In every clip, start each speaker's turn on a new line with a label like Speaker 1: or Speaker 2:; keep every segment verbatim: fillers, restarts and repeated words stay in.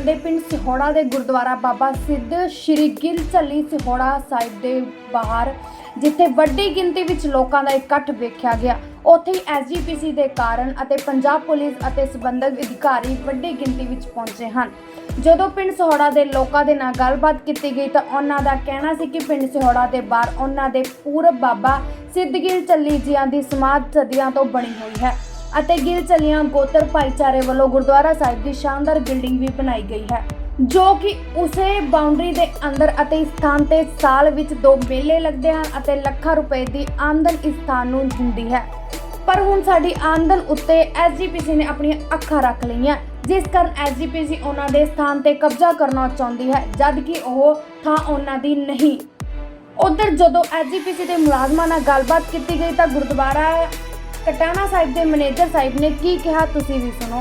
Speaker 1: ਦੇ ਪਿੰਡ ਸਿਹੋੜਾ ਦੇ ਗੁਰਦੁਆਰਾ ਬਾਬਾ ਸਿੱਧ ਸ਼੍ਰੀ ਗਿੱਲ ਝੱਲੀ ਸਿਹੋੜਾ ਸਾਹਿਬ ਦੇ ਬਾਹਰ ਜਿੱਥੇ ਵੱਡੀ ਗਿਣਤੀ ਵਿੱਚ ਲੋਕਾਂ ਦਾ ਇਕੱਠ ਵੇਖਿਆ ਗਿਆ, ਉੱਥੇ ਹੀ ਐਸ ਜੀ ਪੀ ਸੀ ਦੇ ਕਾਰਨ ਅਤੇ ਪੰਜਾਬ ਪੁਲਿਸ ਅਤੇ ਸਬੰਧਤ ਅਧਿਕਾਰੀ ਵੱਡੀ ਗਿਣਤੀ ਵਿੱਚ ਪਹੁੰਚੇ ਹਨ। ਜਦੋਂ ਪਿੰਡ ਸਿਹੋੜਾ ਦੇ ਲੋਕਾਂ ਦੇ ਨਾਲ ਗੱਲਬਾਤ ਕੀਤੀ ਗਈ ਤਾਂ ਉਹਨਾਂ ਦਾ ਕਹਿਣਾ ਸੀ ਕਿ ਪਿੰਡ ਸਿਹੋੜਾ ਦੇ ਬਾਹਰ ਉਹਨਾਂ ਦੇ ਪੂਰਬ ਬਾਬਾ ਸਿੱਧ ਗਿੱਲ ਝੱਲੀ ਜੀਆਂ ਦੀ ਸਮਾਧ ਸਦੀਆਂ ਤੋਂ ਬਣੀ ਹੋਈ ਹੈ ਅਤੇ ਗਿੱਲ ਝੱਲੀਆਂ ਗੋਤਰ ਭਾਈਚਾਰੇ ਵੱਲੋਂ ਗੁਰਦੁਆਰਾ ਸਾਹਿਬ ਦੀ ਸ਼ਾਨਦਾਰ ਬਿਲਡਿੰਗ ਵੀ ਬਣਾਈ ਗਈ ਹੈ, ਜੋ ਕਿ ਉਸੇ ਬਾਉਂਡਰੀ ਦੇ ਅੰਦਰ ਅਤੇ ਇਸ ਸਥਾਨ ਤੇ ਸਾਲ ਵਿੱਚ ਦੋ ਮੇਲੇ ਲੱਗਦੇ ਹਨ ਅਤੇ ਲੱਖਾਂ ਰੁਪਏ ਦੀ ਆਮਦਨ ਇਸ ਸਥਾਨ ਨੂੰ ਹੁੰਦੀ ਹੈ। ਪਰ ਹੁਣ ਸਾਡੀ ਆਮਦਨ ਉੱਤੇ ਐਸ ਜੀ ਪੀ ਸੀ ਨੇ ਆਪਣੀਆਂ ਅੱਖਾਂ ਰੱਖ ਲਈਆਂ, ਜਿਸ ਕਾਰਨ ਐਸ ਜੀ ਪੀ ਸੀ ਉਹਨਾਂ ਦੇ ਸਥਾਨ ਤੇ ਕਬਜ਼ਾ ਕਰਨਾ ਚਾਹੁੰਦੀ ਹੈ, ਜਦ ਕਿ ਉਹ ਥਾਂ ਉਹਨਾਂ ਦੀ ਨਹੀਂ। ਉਧਰ ਜਦੋਂ ਐਸ ਜੀ ਪੀ ਸੀ ਦੇ ਮੁਲਾਜ਼ਮਾਂ ਨਾਲ ਗੱਲਬਾਤ ਕੀਤੀ ਗਈ ਤਾਂ ਗੁਰਦੁਆਰਾ ਕਟਾਣਾ ਸਾਹਿਬ ਦੇ ਮੈਨੇਜਰ ਸਾਹਿਬ ਨੇ ਕੀ ਕਿਹਾ, ਤੁਸੀਂ ਵੀ ਸੁਣੋ।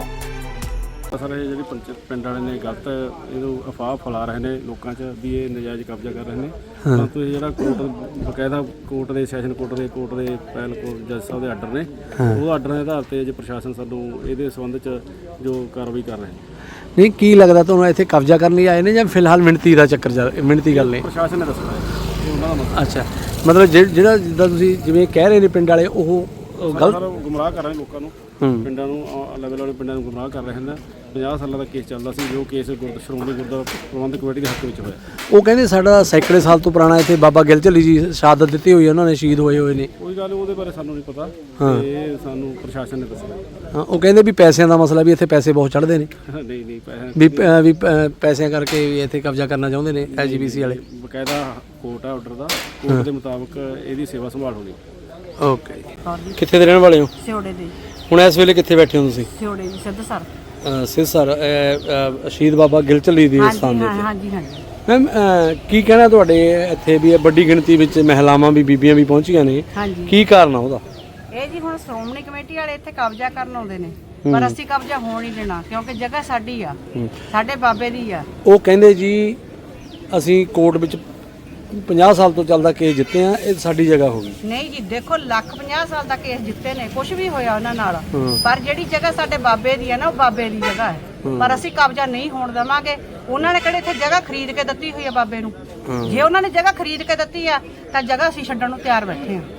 Speaker 2: ਸਰ ਇਹ ਜਿਹੜੀ ਪਿੰਡ ਵਾਲੇ ਨੇ ਗਲਤ ਇਹਨੂੰ ਅਫਵਾਹ ਫੈਲਾ ਰਹੇ ਨੇ ਲੋਕਾਂ 'ਚ ਵੀ ਇਹ ਨਜਾਇਜ਼ ਕਬਜ਼ਾ ਕਰ ਰਹੇ ਨੇ। ਤਾਂ ਤੁਸੀਂ ਜਿਹੜਾ ਕੋਰਟ ਬਕਾਇਦਾ ਕੋਰਟ ਦੇ ਸੈਸ਼ਨ ਕੋਰਟ ਦੇ ਕੋਰਟ ਦੇ ਪੈਲ ਕੋਰਟ ਜੱਜ ਸਾਹਿਬ ਦੇ ਆਰਡਰ ਨੇ, ਉਹ ਆਰਡਰ ਦੇ ਆਧਾਰ ਤੇ ਜੇ ਪ੍ਰਸ਼ਾਸਨ ਸਾਨੂੰ ਇਹਦੇ ਸੰਬੰਧ 'ਚ ਜੋ ਕਾਰਵਾਈ ਕਰ ਰਹੇ ਨੇ।
Speaker 3: ਨਹੀਂ, ਕੀ ਲੱਗਦਾ ਤੁਹਾਨੂੰ ਇੱਥੇ ਕਬਜ਼ਾ ਕਰਨ ਲਈ ਆਏ ਨੇ ਜਾਂ ਫਿਲਹਾਲ ਮਿਹਨਤੀ ਦਾ ਚੱਕਰ ਚੱਲ ਮਿਹਨਤੀ ਗੱਲ ਨੇ?
Speaker 2: ਪ੍ਰਸ਼ਾਸਨ ਨੇ ਦੱਸਣਾ ਹੈ ਉਹਨਾਂ ਦਾ ਮਸਲਾ।
Speaker 3: ਅੱਛਾ, ਮਤਲਬ ਜਿਹੜਾ ਜਿੱਦਾਂ ਤੁਸੀਂ ਜਿਵੇਂ ਕਹਿ ਰਹੇ ਨੇ ਪਿੰਡ ਵਾਲੇ ਉਹ ਗਲਤ
Speaker 2: ਗੁੰਮਰਾਹ ਕਰ ਰਹੇ ਨੇ ਲੋਕਾਂ ਨੂੰ, ਪਿੰਡਾਂ ਨੂੰ ਲੈਵਲ ਵਾਲੇ ਪਿੰਡਾਂ ਨੂੰ ਗੁੰਮਰਾਹ ਕਰ ਰਹੇ ਹਨ। ਪੰਜਾਹ ਸਾਲਾਂ ਦਾ ਕੇਸ ਚੱਲਦਾ ਸੀ, ਜੋ ਕੇਸ ਗੁਰਦ ਸ਼੍ਰੋਮਣੀ ਗੁਰਦੁਆਰਾ ਪ੍ਰਬੰਧਕ ਕਮੇਟੀ ਦੇ ਹੱਕ ਵਿੱਚ ਹੋਇਆ।
Speaker 3: ਉਹ ਕਹਿੰਦੇ ਸਾਡਾ ਸੈਂਕੜੇ ਸਾਲ ਤੋਂ ਪੁਰਾਣਾ ਇੱਥੇ ਬਾਬਾ ਗਿੱਲ ਝੱਲੀ ਜੀ ਸ਼ਹਾਦਤ ਦਿੱਤੀ ਹੋਈ ਹੈ, ਉਹਨਾਂ ਨੇ ਸ਼ਹੀਦ ਹੋਏ ਹੋਏ ਨੇ।
Speaker 2: ਕੋਈ ਗੱਲ ਉਹਦੇ ਬਾਰੇ ਸਾਨੂੰ ਨਹੀਂ ਪਤਾ, ਇਹ ਸਾਨੂੰ ਪ੍ਰਸ਼ਾਸਨ ਨੇ ਦੱਸਿਆ।
Speaker 3: ਹਾਂ, ਉਹ ਕਹਿੰਦੇ ਵੀ ਪੈਸਿਆਂ ਦਾ ਮਸਲਾ, ਵੀ ਇੱਥੇ ਪੈਸੇ ਬਹੁਤ ਚੜ੍ਹਦੇ ਨੇ।
Speaker 2: ਨਹੀਂ ਨਹੀਂ ਪੈਸੇ
Speaker 3: ਵੀ ਵੀ ਪੈਸਿਆਂ ਕਰਕੇ ਵੀ ਇੱਥੇ ਕਬਜ਼ਾ ਕਰਨਾ ਚਾਹੁੰਦੇ ਨੇ ਐਸ ਜੀ ਪੀ ਸੀ ਵਾਲੇ।
Speaker 2: ਬਕਾਇਦਾ ਕੋਰਟ ਆ ਆਰਡਰ ਦਾ, ਕੋਰਟ ਦੇ ਮੁਤਾਬਕ ਇਹਦੀ ਸੇਵਾ ਸੰਭਾਲ ਹੋਣੀ।
Speaker 3: ਓਕੇ, ਕਿੱਥੇ ਦੇ ਰਹਿਣ ਵਾਲੇ ਹੋ?
Speaker 4: ਸਿਹੋੜੇ ਦੇ।
Speaker 3: ਹੁਣ ਇਸ ਵੇਲੇ ਕਿੱਥੇ ਬੈਠੇ ਹੋ ਤੁਸੀਂ?
Speaker 4: ਸਿਹੋੜੇ ਜੀ, ਸਿੱਧ ਸਰ।
Speaker 3: ਸਿੱਧ ਸਰ, ਸ਼ਹੀਦ ਬਾਬਾ ਗਿੱਲ ਝੱਲੀ ਦੀ ਸਥਾਨ ਦੇ ਉੱਤੇ।
Speaker 4: ਹਾਂਜੀ ਹਾਂਜੀ।
Speaker 3: ਮੈਮ, ਕੀ ਕਹਿਣਾ ਤੁਹਾਡੇ ਇੱਥੇ ਵੀ ਵੱਡੀ ਗਿਣਤੀ ਵਿੱਚ ਮਹਿਲਾਵਾਂ ਵੀ ਬੀਬੀਆਂ ਵੀ ਪਹੁੰਚੀਆਂ ਨੇ, ਕੀ ਕਾਰਨ ਆ ਉਹਦਾ?
Speaker 4: ਇਹ ਜੀ ਹੁਣ ਸ਼੍ਰੋਮਣੀ ਕਮੇਟੀ ਵਾਲੇ ਇੱਥੇ ਕਬਜ਼ਾ ਕਰਨ ਆਉਂਦੇ ਨੇ, ਪਰ ਅਸੀਂ ਕਬਜ਼ਾ ਹੋਣ ਨਹੀਂ ਦੇਣਾ, ਕਿਉਂਕਿ ਜਗ੍ਹਾ ਸਾਡੀ ਆ, ਸਾਡੇ ਬਾਬੇ ਦੀ ਆ।
Speaker 3: ਉਹ ਕਹਿੰਦੇ ਜੀ ਅਸੀਂ ਕੋਰਟ ਵਿੱਚ ਪੰਜਾਹ ਸਾਲ ਤੋਂ ਚੱਲਦਾ ਕੇਸ ਜਿੱਤੇ ਆ, ਇਹ ਸਾਡੀ ਜਗ੍ਹਾ ਹੋ ਗਈ।
Speaker 4: ਨਹੀਂ ਜੀ, ਦੇਖੋ ਲੱਖ ਪੰਜਾਹ ਸਾਲ ਦਾ ਕੇਸ ਜਿੱਤੇ ਨੇ, ਕੁਝ ਵੀ ਹੋਇਆ ਉਹਨਾਂ ਨਾਲ, ਪਰ ਜਿਹੜੀ ਜਗ੍ਹਾ ਸਾਡੇ ਬਾਬੇ ਦੀ ਆ ਨਾ, ਉਹ ਬਾਬੇ ਦੀ ਜਗ੍ਹਾ ਹੈ, ਪਰ ਅਸੀਂ ਕਬਜ਼ਾ ਨਹੀਂ ਹੋਣ ਦੇਵਾਂਗੇ। ਉਹਨਾਂ ਨੇ ਕਿਹੜੇ ਇੱਥੇ ਜਗ੍ਹਾ ਖਰੀਦ ਕੇ ਦਿੱਤੀ ਹੋਈ ਆ ਬਾਬੇ ਨੂੰ? ਜੇ ਉਹਨਾਂ ਨੇ ਜਗ੍ਹਾ ਖਰੀਦ ਕੇ ਦਿੱਤੀ ਆ ਤਾਂ ਜਗ੍ਹਾ ਅਸੀਂ ਛੱਡਣ ਨੂੰ ਤਿਆਰ ਬੈਠੇ ਆ।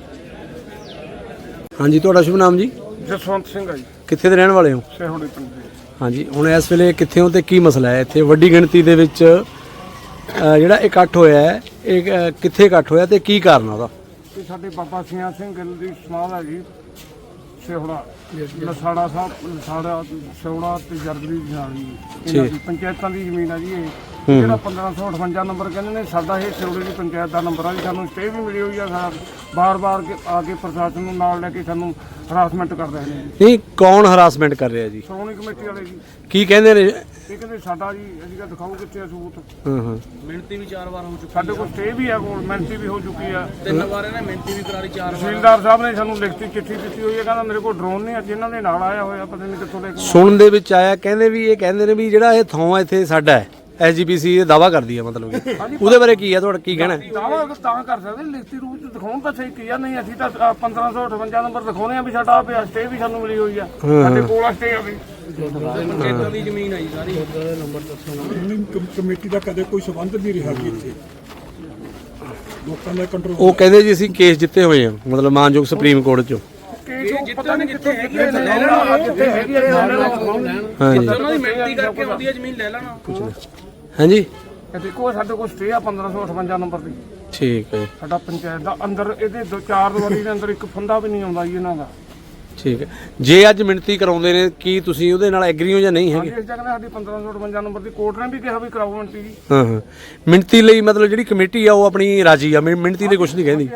Speaker 3: ਹਾਂਜੀ, ਤੁਹਾਡਾ ਸ਼ੁਭ ਨਾਮ ਜੀ?
Speaker 2: ਜਸਵੰਤ ਸਿੰਘ ਆ ਜੀ।
Speaker 3: ਕਿੱਥੇ ਦੇ ਰਹਿਣ ਵਾਲੇ ਹੋ?
Speaker 2: ਸਿਹੋੜੇ ਪਿੰਡ ਦੇ।
Speaker 3: ਹਾਂਜੀ, ਹੁਣ ਇਸ ਵੇਲੇ ਕਿੱਥੇ ਹੋ ਤੇ ਕੀ ਮਸਲਾ ਹੈ ਇੱਥੇ ਵੱਡੀ ਗਿਣਤੀ ਦੇ ਵਿੱਚ ਜਿਹੜਾ ਇਕੱਠ ਹੋਇਆ ਹੈ, ਇਹ ਕਿੱਥੇ ਇਕੱਠ ਹੋਇਆ ਤੇ ਕੀ ਕਾਰਨ ਉਹਦਾ?
Speaker 5: ਇਹ ਸਾਡੇ ਬਾਬਾ ਸਿਆਂ ਸਿੰਘ ਗਿੱਲ ਦੀ ਸਮਾਧ ਹੈ ਜੀ, ਸਿਹੋੜਾ ਲਸਾੜਾ ਸਾਹਿਬ, ਲਸਾੜਾ ਸਿਹੋੜਾ ਤੇ ਜਰਗਲੀ ਦੀ ਨਾਲ ਜੀ, ਇਹਨਾਂ ਦੀ ਪੰਚਾਇਤਾਂ ਦੀ ਜ਼ਮੀਨ ਆ ਜੀ। ਇਹ ਜਿਹੜਾ ਪੰਦਰਾਂ ਸੌ ਅਠਵੰਜਾ ਨੰਬਰ ਕਹਿੰਦੇ ਨੇ, ਸਾਡਾ ਇਹ ਸਿਹੋੜੇ ਦੀ ਪੰਚਾਇਤ ਦਾ ਨੰਬਰ ਆ ਜੀ। ਸਾਨੂੰ ਸਟੇ ਵੀ ਮਿਲੀ ਹੋਈ ਆ, ਬਾਰ ਬਾਰ ਆ ਕੇ ਪ੍ਰਸ਼ਾਸਨ ਨੂੰ ਨਾਲ ਲੈ ਕੇ ਸਾਨੂੰ ਹਰਾਸਮੈਂਟ ਕਰ ਰਹੇ ਨੇ ਜੀ।
Speaker 3: ਨਹੀਂ, ਕੌਣ ਹਰਾਸਮੈਂਟ ਕਰ ਰਿਹਾ ਜੀ?
Speaker 5: ਸ਼੍ਰੋਮਣੀ ਕਮੇਟੀ ਵਾਲੇ ਜੀ।
Speaker 3: ਕੀ ਕਹਿੰਦੇ ਨੇ?
Speaker 5: ਇਹ ਕਹਿੰਦੇ ਸਾਡਾ ਜੀ, ਅਸੀਂ ਤਾਂ ਦਿਖਾਓ ਕਿੱਥੇ ਆ ਸਬੂਤ।
Speaker 3: ਹਾਂ ਹਾਂ,
Speaker 5: ਮਿਹਨਤੀ ਵੀ ਚਾਰ ਵਾਰ ਹੋ ਚੁੱਕੀ, ਸਾਡੇ ਕੋਲ ਸਟੇ ਵੀ ਆ, ਕੋਲ ਮਿਹਨਤੀ ਵੀ ਹੋ ਚੁੱਕੀ ਆ,
Speaker 2: ਤਿੰਨ ਵਾਰ ਇਹਨੇ ਮਿਹਨਤੀ ਵੀ ਕਰਾ ਲਈ, ਚਾਰ ਵਾਰ।
Speaker 5: ਤਹਿਸੀਲਦਾਰ ਸਾਹਿਬ ਨੇ ਸਾਨੂੰ ਲਿਖਤੀ ਚਿੱਠੀ ਦਿੱਤੀ ਹੋਈ ਹੈ, ਕਹਿੰਦਾ ਮੇਰੇ ਕੋਲ ਡਰੋਨ ਨਹੀਂ, ਅੱਜ ਇਹਨਾਂ ਦੇ ਨਾਲ ਆਇਆ ਹੋਇਆ, ਪਤਾ ਨਹੀਂ ਕਿੱਥੋਂ ਲੈ ਕੇ।
Speaker 3: ਸੁਣਨ ਦੇ ਵਿੱਚ ਆਇਆ, ਕਹਿੰਦੇ ਵੀ ਇਹ ਕਹਿੰਦੇ ਨੇ ਵੀ ਜਿਹੜਾ ਇਹ ਥਾਂ ਇੱਥੇ ਸਾਡਾ ਹੈ, ਐਸ ਜੀ ਪੀ ਸੀ ਇਹ ਦਾਵਾ ਕਰਦੀ ਹੈ, ਮਤਲਬ ਕਿ ਉਹਦੇ ਬਾਰੇ ਕੀ ਹੈ ਤੁਹਾਡਾ ਕੀ ਕਹਿਣਾ?
Speaker 5: ਦਾਵਾ ਤਾਂ ਕਰ ਸਕਦੇ, ਲਿਖਤੀ ਰੂਪ ਚ ਦਿਖਾਉਣ ਤਾਂ ਸਹੀ ਕੀ ਆ, ਨਹੀਂ ਅਸੀਂ ਤਾਂ ਪੰਦਰਾਂ ਸੌ ਅਠਵੰਜਾ ਨੰਬਰ ਦਿਖਾਉਣੇ ਆ ਵੀ ਸਾਡਾ ਪਿਆ, ਸਟੇ ਵੀ ਸਾਨੂੰ ਮਿਲੀ ਹੋਈ ਆ, ਸਾਡੇ ਕੋਲ ਆ ਸਟੇ ਆ ਵੀ।
Speaker 2: ਪੰਚਾਇਤਾਂ ਦੀ ਜ਼ਮੀਨ ਆਈ ਸਾਰੀ। ਨੰਬਰ ਦੱਸੋ।
Speaker 6: ਕਮੇਟੀ ਦਾ ਕਦੇ ਕੋਈ ਸਬੰਧ ਨਹੀਂ ਰਿਹਾ ਕਿ ਇੱਥੇ ਲੋਕਾਂ ਦਾ ਕੰਟਰੋਲ।
Speaker 3: ਉਹ ਕਹਿੰਦੇ ਜੀ ਅਸੀਂ ਕੇਸ ਜਿੱਤੇ ਹੋਏ ਆ, ਮਤਲਬ ਮਾਨਯੋਗ ਸੁਪਰੀਮ ਕੋਰਟ ਚੋਂ।
Speaker 5: ਪਤਾ ਨਹੀਂ ਕਿੱਥੇ ਹੈਗੀ ਹੈ, ਜਿੱਥੇ ਹੈਗੀ ਹੈ
Speaker 3: ਹਾਂਜੀ,
Speaker 2: ਉਹਨਾਂ ਦੀ ਮਿਹਨਤੀ ਕਰਕੇ ਆਉਂਦੀ ਹੈ ਜ਼ਮੀਨ, ਲੈ ਲੈਣਾ।
Speaker 3: ਹਾਂਜੀ,
Speaker 5: ਦੇਖੋ ਸਾਡੇ ਕੋਲ ਸਟੇ ਆ ਪੰਦਰਾਂ ਸੌ ਅਠਵੰਜਾ ਨੰਬਰ ਦੀ।
Speaker 3: ਠੀਕ ਹੈ,
Speaker 5: ਸਾਡਾ ਪੰਚਾਇਤ ਦਾ ਅੰਦਰ ਇਹਦੇ ਦੋ ਚਾਰ ਦੀਵਾਰੀ ਦੇ ਅੰਦਰ ਇੱਕ ਫੰਦਾ ਵੀ ਨਹੀਂ ਆਉਂਦਾ ਜੀ ਇਹਨਾਂ ਦਾ।
Speaker 3: ਠੀਕ ਹੈ। ਜੇ ਅੱਜ ਮਿਣਤੀ ਕਰਾਉਂਦੇ ਨੇ, ਕੀ ਤੁਸੀਂ ਉਹਦੇ ਨਾਲ ਐਗਰੀ ਹੋ ਜਾਂ ਨਹੀਂ ਹੈਗੇ?
Speaker 5: ਇਸ ਜਗ੍ਹਾ ਸਾਡੀ ਪੰਦਰਾਂ ਸੌ ਅਠਵੰਜਾ ਨੰਬਰ ਦੀ ਕੋਰਟ ਨੇ ਵੀ ਕਿਹਾ ਵੀ ਕਰਾਓ ਮਿਣਤੀ ਜੀ।
Speaker 3: ਹਾਂ ਹਾਂ, ਮਿਣਤੀ ਲਈ ਮਤਲਬ ਜਿਹੜੀ ਕਮੇਟੀ ਆ ਉਹ ਆਪਣੀ ਰਾਜੀ ਆ, ਮਿਣਤੀ ਲਈ ਕੁਝ ਨਹੀਂ ਕਹਿੰਦੀ।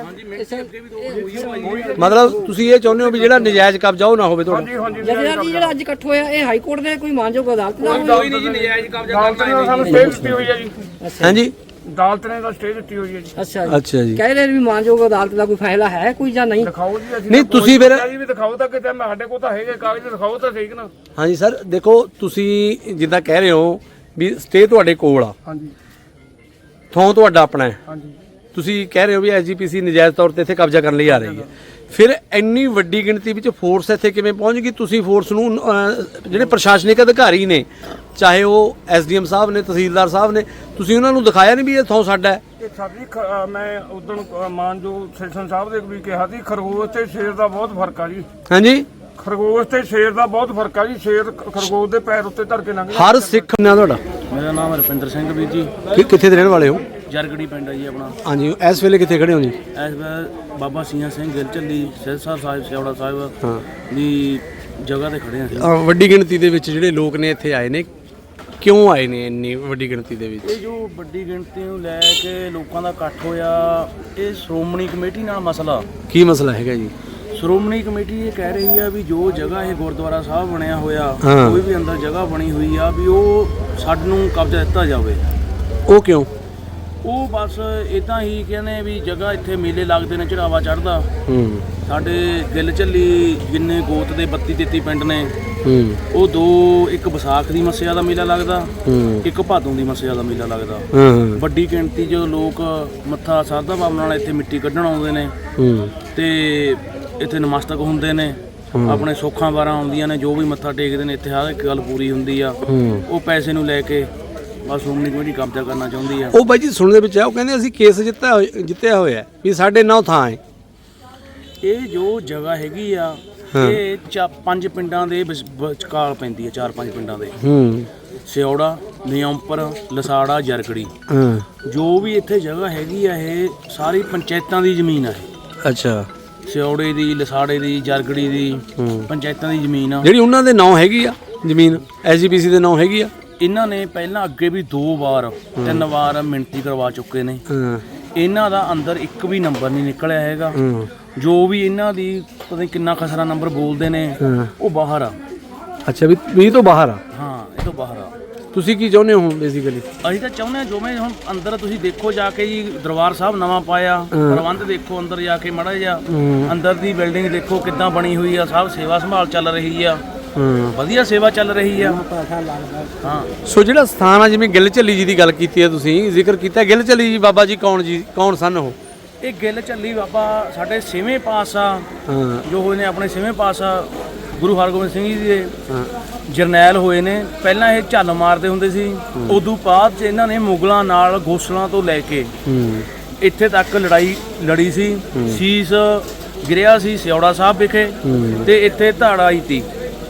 Speaker 3: ਮਤਲਬ ਤੁਸੀਂ ਇਹ ਚਾਹੁੰਦੇ ਹੋ ਵੀ ਜਿਹੜਾ ਨਜਾਇਜ਼ ਕਬਜ਼ਾ ਉਹ ਨਾ ਹੋਵੇ ਤੁਹਾਡਾ?
Speaker 5: ਹਾਂਜੀ ਹਾਂਜੀ।
Speaker 4: ਜਥੇਦਾਰ ਜੀ, ਜਿਹੜਾ ਅੱਜ ਇਕੱਠ ਹੋਇਆ, ਇਹ ਹਾਈ ਕੋਰਟ ਦੇ ਕੋਈ ਮਾਨਯੋਗ ਅਦਾਲਤ ਦਾ
Speaker 2: ਕੋਈ ਨਹੀਂ ਜੀ, ਨਜਾਇਜ਼ ਕਬਜ਼ਾ ਕਰਨਾ
Speaker 5: ਸਾਨੂੰ ਸਟੇ ਦਿੱਤੀ ਹੋਈ ਹੈ ਜੀ।
Speaker 3: ਹਾਂਜੀ,
Speaker 5: ਅਦਾਲਤ ਨੇ ਤਾਂ ਸਟੇ ਦਿੱਤੀ ਹੋਈ ਹੈ ਜੀ।
Speaker 4: ਅੱਛਾ
Speaker 3: ਅੱਛਾ ਜੀ।
Speaker 4: ਕਹਿ ਰਹੇ ਵੀ ਮਾਨਯੋਗ ਅਦਾਲਤ ਦਾ ਕੋਈ ਫੈਸਲਾ ਹੈ ਕੋਈ ਜਾਂ ਨਹੀਂ?
Speaker 5: ਦਿਖਾਓ ਜੀ। ਅਸੀਂ
Speaker 3: ਨਹੀਂ, ਤੁਸੀਂ ਫਿਰ
Speaker 5: ਜੀ ਵੀ ਦਿਖਾਓ ਤਾਂ ਕਿਤੇ, ਮੈਂ ਸਾਡੇ ਕੋਲ ਤਾਂ ਹੈਗੇ ਕਾਗਜ਼, ਦਿਖਾਓ ਤਾਂ ਠੀਕ ਨਾ।
Speaker 3: ਹਾਂਜੀ ਸਰ, ਦੇਖੋ ਤੁਸੀਂ ਜਿੱਦਾਂ ਕਹਿ ਰਹੇ ਹੋ ਵੀ ਸਟੇ ਤੁਹਾਡੇ ਕੋਲ ਆ,
Speaker 5: ਹਾਂਜੀ
Speaker 3: ਥਾਂ ਤੁਹਾਡਾ ਆਪਣਾ ਹੈ,
Speaker 5: ਹਾਂਜੀ।
Speaker 3: ਤੁਸੀਂ ਕਹਿ ਰਹੇ ਹੋ ਵੀ ਐਸ ਜੀ ਪੀ ਸੀ ਨਜਾਇਜ਼ ਤੌਰ ਤੇ ਇੱਥੇ ਕਬਜ਼ਾ ਕਰਨ ਲਈ ਆ ਰਹੀ ਹੈ, ਫਿਰ ਇੰਨੀ ਵੱਡੀ ਗਿਣਤੀ ਵਿੱਚ ਫੋਰਸ ਇੱਥੇ ਕਿਵੇਂ ਪਹੁੰਚ ਗਈ? ਤੁਸੀਂ ਫੋਰਸ ਨੂੰ ਅਹ, ਜਿਹੜੇ ਪ੍ਰਸ਼ਾਸਨਿਕ ਅਧਿਕਾਰੀ ਨੇ, ਚਾਹੇ ਉਹ ਐਸਡੀਐਮ ਸਾਹਿਬ ਨੇ, ਤਹਿਸੀਲਦਾਰ ਸਾਹਿਬ ਨੇ, ਤੁਸੀਂ ਉਹਨਾਂ ਨੂੰ ਦਿਖਾਇਆ ਨਹੀਂ ਵੀ ਇਹ ਥਾਂ ਸਾਡਾ ਹੈ?
Speaker 5: ਇਹ ਸਾਡੀ ਖ- ਅ, ਮੈਂ ਉਦੋਂ ਮਾਨਯੋਗ ਸੈਸ਼ਨ ਸਾਹਿਬ ਦੇ ਵੀ ਕਿਹਾ ਸੀ, ਖਰਗੋਸ਼ ਤੇ ਸ਼ੇਰ ਦਾ ਬਹੁਤ ਫਰਕ ਆ ਜੀ।
Speaker 3: ਹਾਂਜੀ,
Speaker 5: ਖਰਗੋਸ਼ ਤੇ ਸ਼ੇਰ ਦਾ ਬਹੁਤ ਫਰਕ ਆ ਜੀ। ਸ਼ੇਰ ਖ- ਖਰਗੋਸ਼ ਦੇ ਪੈਰ ਉੱਤੇ ਧਰ ਕੇ ਲੰਘ
Speaker 3: ਹਰ ਸਿੱਖ ਨਾ ਤੁਹਾਡਾ
Speaker 2: ਮੇਰਾ ਨਾਮ ਰੁਪਿੰਦਰ ਸਿੰਘ ਵੀਰ ਜੀ,
Speaker 3: ਕਿ ਕਿੱਥੇ ਦੇ ਰਹਿਣ ਵਾਲੇ ਹੋ?
Speaker 2: ਜਰਗੜੀ ਪਿੰਡ ਹੈ ਜੀ ਆਪਣਾ।
Speaker 3: ਹਾਂਜੀ, ਇਸ ਵੇਲੇ ਕਿੱਥੇ ਖੜੇ ਹੋ ਜੀ?
Speaker 2: ਇਸ ਵੇਲੇ ਬਾਬਾ ਸੀਆਂ ਸਿੰਘ ਗਿੱਲ ਝੱਲੀ ਸਿਰਸਾ ਸਾਹਿਬ ਸਿਉੜਾ ਸਾਹਿਬ
Speaker 3: ਹਾਂ,
Speaker 2: ਦੀ ਜਗ੍ਹਾ ਤੇ ਖੜੇ ਹਾਂ ਅਸੀਂ।
Speaker 3: ਅਹ, ਵੱਡੀ ਗਿਣਤੀ ਦੇ ਵਿੱਚ ਜਿਹੜੇ ਲੋਕ ਨੇ ਇੱਥੇ ਆਏ ਨੇ, ਕਿਉਂ ਆਏ ਨੇ ਇੰਨੀ ਵੱਡੀ ਗਿਣਤੀ ਦੇ ਵਿੱਚ?
Speaker 2: ਇਹ ਜੋ ਵੱਡੀ ਗਿਣਤੀ ਨੂੰ ਲੈ ਕੇ ਲੋਕਾਂ ਦਾ ਇਕੱਠ ਹੋਇਆ, ਇਹ ਸ਼੍ਰੋਮਣੀ ਕਮੇਟੀ ਨਾਲ ਮਸਲਾ।
Speaker 3: ਕੀ ਮਸਲਾ ਹੈਗਾ ਜੀ?
Speaker 2: ਸ਼੍ਰੋਮਣੀ ਕਮੇਟੀ ਇਹ ਕਹਿ ਰਹੀ ਆ ਵੀ ਜੋ ਜਗ੍ਹਾ ਇਹ ਗੁਰਦੁਆਰਾ ਸਾਹਿਬ ਬਣਿਆ ਹੋਇਆ,
Speaker 3: ਹਾਂ।
Speaker 2: ਕੋਈ ਵੀ ਅੰਦਰ ਜਗ੍ਹਾ ਬਣੀ ਹੋਈ ਆ ਵੀ ਉਹ ਸਾਨੂੰ ਕਬਜ਼ਾ ਦਿੱਤਾ ਜਾਵੇ।
Speaker 3: ਉਹ ਕਿਉਂ?
Speaker 2: ਉਹ ਬਸ ਇਦਾਂ ਹੀ ਕਹਿੰਦੇ ਵੀ ਜਗ੍ਹਾ ਇੱਥੇ ਮੇਲੇ ਲੱਗਦੇ ਨੇ, ਚੜਾਵਾ ਚੜ੍ਹਦਾ।
Speaker 3: ਹੂੰ
Speaker 2: ਸਾਡੇ ਗਿੱਲ ਝੱਲੀ ਜਿੰਨੇ ਗੋਤ ਦੇ ਬੱਤੀ ਤੇਤੀ ਪਿੰਡ ਨੇ,
Speaker 3: ਹੂੰ
Speaker 2: ਉਹ ਦੋ, ਇੱਕ ਵਿਸਾਖ ਦੀ ਮੱਸਿਆ ਦਾ ਮੇਲਾ ਲੱਗਦਾ,
Speaker 3: ਹੂੰ
Speaker 2: ਇੱਕ ਭਾਦੋਂ ਦੀ ਮੱਸਿਆ ਦਾ ਮੇਲਾ ਲੱਗਦਾ।
Speaker 3: ਹਾਂ
Speaker 2: ਵੱਡੀ ਗਿਣਤੀ 'ਚ ਲੋਕ ਮੱਥਾ ਸਾਧਾ ਬਾਬ ਨਾਲ ਇੱਥੇ ਮਿੱਟੀ ਕੱਢਣ ਆਉਂਦੇ ਨੇ
Speaker 3: ਹੂੰ
Speaker 2: ਤੇ ਇੱਥੇ ਨਮਸਤਕ ਹੁੰਦੇ ਨੇ, ਆਪਣੇ ਸੁੱਖਾਂ ਵਾਰਾਂ ਆਉਂਦੀਆਂ ਨੇ, ਜੋ ਵੀ ਮੱਥਾ ਟੇਕਦੇ ਨੇ ਇੱਥੇ ਹਰ ਇੱਕ ਗੱਲ ਪੂਰੀ ਹੁੰਦੀ ਆ।
Speaker 3: ਹੂੰ
Speaker 2: ਉਹ ਪੈਸੇ ਨੂੰ ਲੈ ਕੇ ਬਸ ਸ਼੍ਰੋਮਣੀ ਕਮੇਟੀ ਕਬਜ਼ਾ ਕਰਨਾ ਚਾਹੁੰਦੀ ਆ।
Speaker 3: ਉਹ ਬਾਈ ਜੀ ਸੁਣਨ ਦੇ ਵਿੱਚ ਆ, ਉਹ ਕਹਿੰਦੇ ਅਸੀਂ ਕੇਸ ਜਿੱਤਿਆ ਹੋਇਆ- ਜਿੱਤਿਆ ਹੋਇਆ ਵੀ ਸਾਡੇ ਨੌ ਥਾਂ ਹੈ।
Speaker 2: ਇਹ ਜੋ ਜਗ੍ਹਾ ਹੈਗੀ ਆ, ਇਹ ਚਾ ਪੰਜ ਪਿੰਡਾਂ ਦੇ ਵਿਚ- ਵਿਚਕਾਰ ਪੈਂਦੀ ਆ, ਚਾਰ ਪੰਜ ਪਿੰਡਾਂ ਦੇ,
Speaker 3: ਹੂੰ
Speaker 2: ਸਿਉੜਾ, ਨਿਯੰਪਰ, ਲਸਾੜਾ, ਜਰਗੜੀ।
Speaker 3: ਹਾਂ
Speaker 2: ਜੋ ਵੀ ਇੱਥੇ ਜਗ੍ਹਾ ਹੈਗੀ ਆ, ਇਹ ਸਾਰੀ ਪੰਚਾਇਤਾਂ ਦੀ ਜ਼ਮੀਨ ਆ। ਇਹ
Speaker 3: ਅੱਛਾ,
Speaker 2: ਸਿਉੜੇ ਦੀ, ਲਸਾੜੇ ਦੀ, ਜਰਗੜੀ ਦੀ,
Speaker 3: ਹੂੰ।
Speaker 2: ਪੰਚਾਇਤਾਂ ਦੀ ਜ਼ਮੀਨ ਆ।
Speaker 3: ਜਿਹੜੀ ਉਹਨਾਂ ਦੇ ਨਾਂ ਹੈਗੀ ਆ ਜ਼ਮੀਨ, ਐਸਜੀਪੀਸੀ ਦੇ ਨਾਂ ਹੈਗੀ ਆ।
Speaker 2: ਇਹਨਾਂ ਨੇ ਪਹਿਲਾਂ ਅੱਗੇ ਵੀ ਦੋ ਵਾਰ ਤਿੰਨ ਵਾਰ ਮਿਣਤੀ ਕਰਵਾ ਚੁੱਕੇ ਨੇ।
Speaker 3: ਹਾਂ
Speaker 2: ਇਹਨਾਂ ਦਾ ਅੰਦਰ ਇੱਕ ਵੀ ਨੰਬਰ ਨਹੀਂ ਨਿਕਲਿਆ ਹੈਗਾ।
Speaker 3: ਹਾਂ
Speaker 2: ਜੋ ਵੀ ਇਹਨਾਂ ਦੀ ਪਤਾ ਨਹੀਂ ਕਿੰਨਾ ਖਸਰਾ ਨੰਬਰ ਬੋਲਦੇ ਨੇ,
Speaker 3: ਹਾਂ।
Speaker 2: ਉਹ ਬਾਹਰ ਆ।
Speaker 3: ਅੱਛਾ, ਵੀ ਵੀਹ ਤੋਂ ਬਾਹਰ ਆ।
Speaker 2: ਹਾਂ, ਇਹ ਤੋਂ ਬਾਹਰ ਆ।
Speaker 3: ਤੁਸੀਂ ਕੀ ਚਾਹੁੰਦੇ ਹੋ ਬੇਸਿਕਲੀ?
Speaker 2: ਅਸੀਂ ਤਾਂ ਚਾਹੁੰਦੇ ਹਾਂ ਜਿਵੇਂ ਹੁਣ ਅੰਦਰ ਤੁਸੀਂ ਦੇਖੋ ਜਾ ਕੇ ਜੀ, ਦਰਬਾਰ ਸਾਹਿਬ ਨਵਾਂ ਪਾਇਆ, ਪ੍ਰਬੰਧ ਦੇਖੋ ਅੰਦਰ ਜਾ ਕੇ ਮਾੜਾ ਜਿਹਾ, ਅੰਦਰ ਦੀ ਬਿਲਡਿੰਗ ਦੇਖੋ ਕਿੱਦਾਂ ਬਣੀ ਹੋਈ ਆ, ਸਭ ਸੇਵਾ ਸੰਭਾਲ ਚੱਲ ਰਹੀ ਆ,
Speaker 3: ਹਾਂ,
Speaker 2: ਵਧੀਆ ਸੇਵਾ ਚੱਲ ਰਹੀ ਆ। ਹਾਂ,
Speaker 3: ਸੋ ਜਿਹੜਾ ਸਥਾਨ ਆ, ਜਿਵੇਂ ਗਿੱਲ ਝੱਲੀ ਜੀ ਦੀ ਗੱਲ ਕੀਤੀ ਹੈ, ਤੁਸੀਂ ਜ਼ਿਕਰ ਕੀਤਾ ਗਿੱਲ ਝੱਲੀ ਜੀ ਬਾਬਾ ਜੀ ਕੌਣ ਜੀ ਕੌਣ ਸਨ ਉਹ?
Speaker 2: ਇਹ ਗਿੱਲ ਝੱਲੀ ਬਾਬਾ ਸਾਡੇ ਛੇਵੇਂ ਪਾਤਸ਼ਾਹ
Speaker 3: ਹਾਂ
Speaker 2: ਜੋ ਹੋਏ ਨੇ, ਆਪਣੇ ਛੇਵੇਂ ਪਾਤਸ਼ਾਹ ਗੁਰੂ ਹਰਗੋਬਿੰਦ ਸਿੰਘ ਜੀ ਦੇ
Speaker 3: ਹਾਂ
Speaker 2: ਜਰਨੈਲ ਹੋਏ ਨੇ। ਪਹਿਲਾਂ ਇਹ ਝੱਲ ਮਾਰਦੇ ਹੁੰਦੇ ਸੀ, ਉਦੋਂ ਬਾਅਦ 'ਚ ਇਹਨਾਂ ਨੇ ਮੁਗਲਾਂ ਨਾਲ ਗੋਸਲਾਂ ਤੋਂ ਲੈ ਕੇ
Speaker 3: ਹੂੰ
Speaker 2: ਇੱਥੇ ਤੱਕ ਲੜਾਈ ਲੜੀ ਸੀ। ਸੀਸ ਗਿਰਿਆ ਸੀ ਸਿਉੜਾ ਸਾਹਿਬ ਵਿਖੇ ਤੇ ਇੱਥੇ ਧਾੜਾ ਆਈ ਤੀ।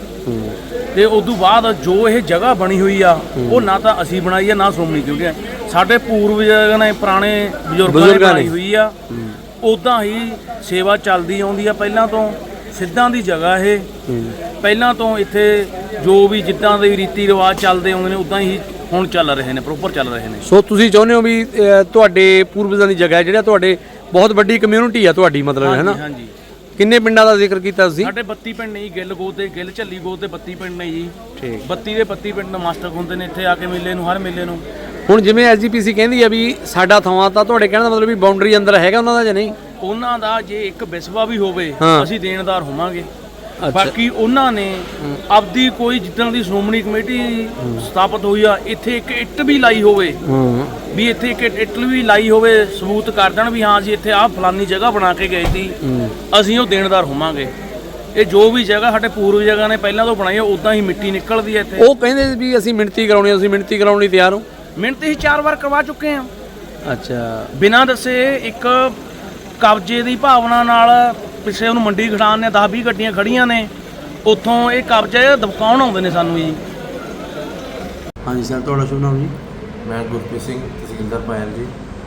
Speaker 2: ਤੇ ਉਦੋਂ ਬਾਅਦ ਜੋ ਇਹ ਜਗ੍ਹਾ ਬਣੀ ਹੋਈ ਆ, ਉਹ ਨਾ ਤਾਂ ਅਸੀਂ ਬਣਾਈ ਆ, ਨਾ ਸ਼੍ਰੋਮਣੀ ਕਮੇਟੀ, ਸਾਡੇ ਪੂਰਵਜਾਂ ਨੇ, ਪੁਰਾਣੇ ਬਜ਼ੁਰਗਾਂ ਨੇ ਬਣਾਈ ਹੋਈ ਆ। ਉਦਾਂ ਹੀ ਸੇਵਾ ਚੱਲਦੀ ਆਉਂਦੀ ਆ ਪਹਿਲਾਂ ਤੋਂ। ਸਿੱਧਾਂ ਦੀ ਜਗ੍ਹਾ ਇਹ ਪਹਿਲਾਂ ਤੋਂ, ਇੱਥੇ ਜੋ ਵੀ ਜਿੱਦਾਂ ਦੇ ਰੀਤੀ ਰਿਵਾਜ ਚੱਲਦੇ ਆਉਂਦੇ ਨੇ ਉਦਾਂ ਹੀ ਹੁਣ ਚੱਲ ਰਹੇ ਨੇ, ਪ੍ਰੋਪਰ ਚੱਲ ਰਹੇ ਨੇ।
Speaker 3: ਸੋ ਤੁਸੀਂ ਚਾਹੁੰਦੇ ਹੋ ਵੀ ਅਹ, ਤੁਹਾਡੇ ਪੂਰਵਜਾਂ ਦੀ ਜਗ੍ਹਾ ਹੈ, ਜਿਹੜਾ ਤੁਹਾਡੇ ਬਹੁਤ ਵੱਡੀ ਕਮਿਊਨਿਟੀ ਆ ਤੁਹਾਡੀ, ਮਤਲਬ ਹੈ ਨਾ?
Speaker 2: ਹਾਂਜੀ।
Speaker 3: ਕਿੰਨੇ ਪਿੰਡਾਂ ਦਾ ਜ਼ਿਕਰ ਕੀਤਾ ਤੁਸੀਂ?
Speaker 2: ਸਾਡੇ ਬੱਤੀ ਪਿੰਡ ਨੇ ਜੀ, ਗਿੱਲ ਗੋਤ ਦੇ, ਗਿੱਲ ਝੱਲੀ ਗੋਤ ਦੇ ਬੱਤੀ ਪਿੰਡ ਨੇ ਜੀ।
Speaker 3: ਠੀਕ।
Speaker 2: ਬੱਤੀ ਦੇ ਬੱਤੀ ਪਿੰਡ ਨਮਸਤਕ ਹੁੰਦੇ ਨੇ ਇੱਥੇ ਆ ਕੇ ਮੇਲੇ ਨੂੰ, ਹਰ ਮੇਲੇ ਨੂੰ।
Speaker 3: ਹੁਣ ਜਿਵੇਂ ਐਸਜੀਪੀਸੀ ਕਹਿੰਦੀ ਆ ਵੀ ਸਾਡਾ ਥਾਂ, ਤਾਂ ਤੁਹਾਡੇ ਕਹਿਣ ਦਾ ਮਤਲਬ ਵੀ ਬਾਉਂਡਰੀ ਅੰਦਰ ਹੈਗਾ ਉਹਨਾਂ ਦਾ ਜਾਂ ਨਹੀਂ?
Speaker 2: ਉਹਨਾਂ ਦਾ ਜੇ ਇੱਕ ਵਿਸਵਾ ਵੀ ਹੋਵੇ,
Speaker 3: ਹਾਂ।
Speaker 2: ਅਸੀਂ ਦੇਣਦਾਰ ਹੋਵਾਂਗੇ। ਬਾਕੀ ਉਹਨਾਂ ਨੇ ਆਪਦੀ ਕੋਈ ਜਿੱਦਾਂ ਦੀ ਸ਼੍ਰੋਮਣੀ ਕਮੇਟੀ ਸਥਾਪਿਤ ਹੋਈ ਆ, ਇੱਥੇ ਇੱਕ ਇੱਟ ਵੀ ਲਾਈ ਹੋਵੇ,
Speaker 3: ਹਾਂ
Speaker 2: ਵੀ ਇੱਥੇ ਇੱਕ ਇੱਟ ਵੀ ਲਾਈ ਹੋਵੇ, ਸਬੂਤ ਕਰ ਦੇਣ ਵੀ ਹਾਂ ਅਸੀਂ ਇੱਥੇ ਆਹ ਫਲਾਨੀ ਜਗ੍ਹਾ ਬਣਾ ਕੇ ਗਏ ਸੀ, ਅਸੀਂ ਉਹ ਦੇਣਦਾਰ ਹੋਵਾਂਗੇ। ਇਹ ਜੋ ਵੀ ਜਗ੍ਹਾ ਸਾਡੇ ਪੂਰਵ ਜਗ੍ਹਾ ਨੇ ਪਹਿਲਾਂ ਤੋਂ ਬਣਾਈ, ਉਦਾਂ ਹੀ ਮਿੱਟੀ ਨਿਕਲਦੀ ਹੈ ਇੱਥੇ।
Speaker 3: ਉਹ ਕਹਿੰਦੇ ਵੀ ਅਸੀਂ ਮਿਣਤੀ ਕਰਾਉਣੀ, ਅਸੀਂ ਮਿਣਤੀ ਕਰਾਉਣ ਲਈ ਤਿਆਰ ਹੋ।
Speaker 2: ਮਿਹਨਤ ਅਸੀਂ ਚਾਰ ਵਾਰ ਕਰਵਾ ਚੁੱਕੇ ਹਾਂ
Speaker 3: ਅੱਛਾ,
Speaker 2: ਬਿਨਾਂ ਦੱਸੇ। ਇੱਕ ਕਬਜ਼ੇ ਦੀ ਭਾਵਨਾ ਨਾਲ ਪਿੱਛੇ ਉਹਨੂੰ ਮੰਡੀ ਖੜਾਉਣ ਨੇ, ਦਸ ਵੀਹ ਗੱਡੀਆਂ ਖੜੀਆਂ ਨੇ, ਉੱਥੋਂ ਇਹ ਕਬਜ਼ਾ ਦਬਕਾਉਣ ਆਉਂਦੇ ਨੇ ਸਾਨੂੰ ਜੀ।
Speaker 3: ਹਾਂਜੀ ਸਰ, ਤੁਹਾਡਾ ਸ਼ੁਭ ਨਾਮ ਜੀ?
Speaker 7: ਮੈਂ ਗੁਰਪ੍ਰੀਤ ਸਿੰਘ, ਤਹਿਸੀਲਦਾਰ ਪਾਇਲ ਜੀ।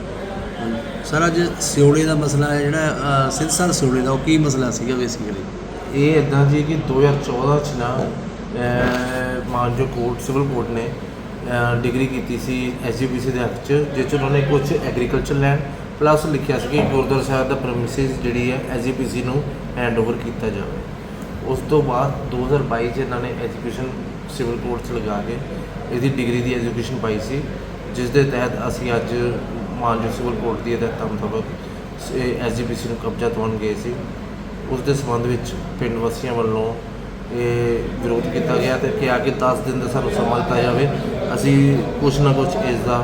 Speaker 3: ਸਰ, ਅੱਜ ਸਿਉੜੇ ਦਾ ਮਸਲਾ ਹੈ ਜਿਹੜਾ ਸਿਰਸਾ ਸਿਉੜੇ ਦਾ, ਉਹ ਕੀ ਮਸਲਾ ਸੀਗਾ ਬੇਸਿਕਲੀ?
Speaker 7: ਇਹ ਇੱਦਾਂ ਜੀ ਕਿ ਦੋ ਹਜ਼ਾਰ ਚੌਦਾਂ 'ਚ ਨਾ ਅਹ, ਮਾਨਜੋ ਕੋਰਟ, ਸਿਵਲ ਕੋਰਟ ਨੇ ਅਹ, ਡਿਗਰੀ ਕੀਤੀ ਸੀ ਐਸਜੀਪੀਸੀ ਦੇ ਹੱਕ 'ਚ, ਜਿਸ 'ਚ ਉਹਨਾਂ ਨੇ ਕੁਝ ਐਗਰੀਕਲਚਰ ਲੈਂਡ ਪਲੱਸ ਲਿਖਿਆ ਸੀ ਕਿ ਗੁਰਦੁਆਰਾ ਸਾਹਿਬ ਦਾ ਪ੍ਰੈਮਿਸਿਸ ਜਿਹੜੀ ਹੈ ਐਸਜੀਪੀਸੀ ਨੂੰ ਹੈਂਡਓਵਰ ਕੀਤਾ ਜਾਵੇ। ਉਸ ਤੋਂ ਬਾਅਦ ਦੋ ਹਜ਼ਾਰ ਬਾਈ 'ਚ ਇਹਨਾਂ ਨੇ ਐਜੂਕੇਸ਼ਨ ਸਿਵਲ ਕੋਰਟ 'ਚ ਲਗਾ ਕੇ ਇਹਦੀ ਡਿਗਰੀ ਦੀ ਐਜੂਕੇਸ਼ਨ ਪਾਈ ਸੀ, ਜਿਸ ਦੇ ਤਹਿਤ ਅਸੀਂ ਅੱਜ ਮਾਨਜੋ ਸਿਵਲ ਕੋਰਟ ਦੀ ਹਦਾਇਤਾਂ ਮੁਤਾਬਕ ਐਸਜੀਪੀਸੀ ਨੂੰ ਕਬਜ਼ਾ ਦਿਵਾਉਣ ਗਏ ਸੀ। ਉਸ ਦੇ ਸੰਬੰਧ ਵਿੱਚ ਪਿੰਡ ਵਾਸੀਆਂ ਵੱਲੋਂ ਇਹ ਵਿਰੋਧ ਕੀਤਾ ਗਿਆ ਤੇ ਕਿਹਾ ਕਿ ਦਸ ਦਿਨ ਦਾ ਸਾਨੂੰ ਸਮਾਂ ਦਿੱਤਾ ਜਾਵੇ, ਅਸੀਂ ਕੁਛ ਨਾ ਕੁਛ ਇਸ ਦਾ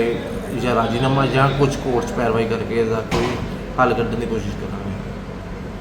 Speaker 7: ਜਾਂ ਰਾਜੀਨਾਮਾ ਜਾਂ ਕੁਝ ਕੋਰਟ 'ਚ ਪੈਰਵਾਈ ਕਰਕੇ ਇਸ ਦਾ ਕੋਈ ਹੱਲ ਕੱਢਣ ਦੀ ਕੋਸ਼ਿਸ਼ ਕਰਾਂਗੇ।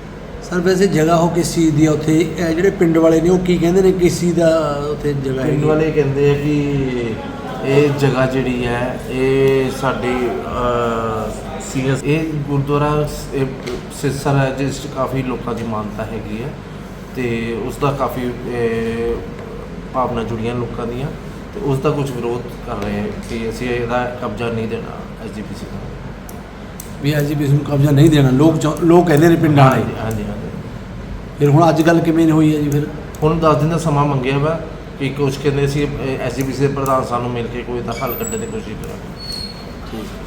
Speaker 3: ਸਰ ਵੈਸੇ ਜਗ੍ਹਾ ਉਹ ਕਿਸ ਚੀਜ਼ ਦੀ ਆ ਉੱਥੇ? ਇਹ ਜਿਹੜੇ ਪਿੰਡ ਵਾਲੇ ਨੇ ਉਹ ਕੀ ਕਹਿੰਦੇ ਨੇ, ਕਿਸ ਚੀਜ਼ ਦਾ ਉੱਥੇ ਜਗ੍ਹਾ
Speaker 7: ਪਿੰਡ
Speaker 3: ਹੈਗੀ?
Speaker 7: ਵਾਲੇ ਕਹਿੰਦੇ ਆ ਕਿ ਇਹ ਜਗ੍ਹਾ ਜਿਹੜੀ ਹੈ ਇਹ ਸਾਡੀ ਸੀ ਐਸ ਇਹ ਗੁਰਦੁਆਰਾ ਸ- ਇਹ ਸਿਰਸਰ ਹੈ ਜਿਸ 'ਚ ਕਾਫੀ ਲੋਕਾਂ ਦੀ ਮਾਨਤਾ ਹੈਗੀ ਹੈ ਤੇ ਉਸ ਦਾ ਕਾਫੀ ਇਹ, ਭਾਵਨਾ ਜੁੜੀਆਂ ਲੋਕਾਂ ਦੀਆਂ ਤੇ ਉਸ ਦਾ ਕੁਝ ਵਿਰੋਧ ਕਰ ਰਹੇ ਹੈ ਕਿ ਅਸੀਂ ਇਹਦਾ ਕਬਜ਼ਾ ਨਹੀਂ ਦੇਣਾ ਐਸ ਜੀ ਪੀ ਸੀ ਨੂੰ।
Speaker 3: ਵੀ ਐਸਜੀਪੀਸੀ ਨੂੰ ਕਬਜ਼ਾ ਨਹੀਂ ਦੇਣਾ, ਲੋਕ ਚਾਹੁੰ- ਲੋਕ ਕਹਿੰਦੇ ਨੇ ਪਿੰਡਾਂ ਵਾਲੇ।
Speaker 7: ਹਾਂਜੀ ਹਾਂਜੀ ਹਾਂਜੀ
Speaker 3: ਫਿਰ ਹੁਣ ਅੱਜ ਕੱਲ੍ਹ ਕਿਵੇਂ ਹੋਈ ਹੈ ਜੀ ਫਿਰ?
Speaker 7: ਹੁਣ ਦਸ ਦਿਨ ਦਾ ਸਮਾਂ ਮੰਗਿਆ ਵਾ ਕਿ ਕੁਝ ਕਹਿੰਦੇ ਸੀ ਐਸ ਜੀ ਪੀ ਸੀ ਦੇ ਪ੍ਰਧਾਨ ਸਾਨੂੰ ਮਿਲ ਕੇ ਕੋਈ ਤਾਂ ਹੱਲ ਕੱਢਣ ਦੀ ਕੋਸ਼ਿਸ਼ ਕਰਾਂਗੇ।
Speaker 3: ਠੀਕ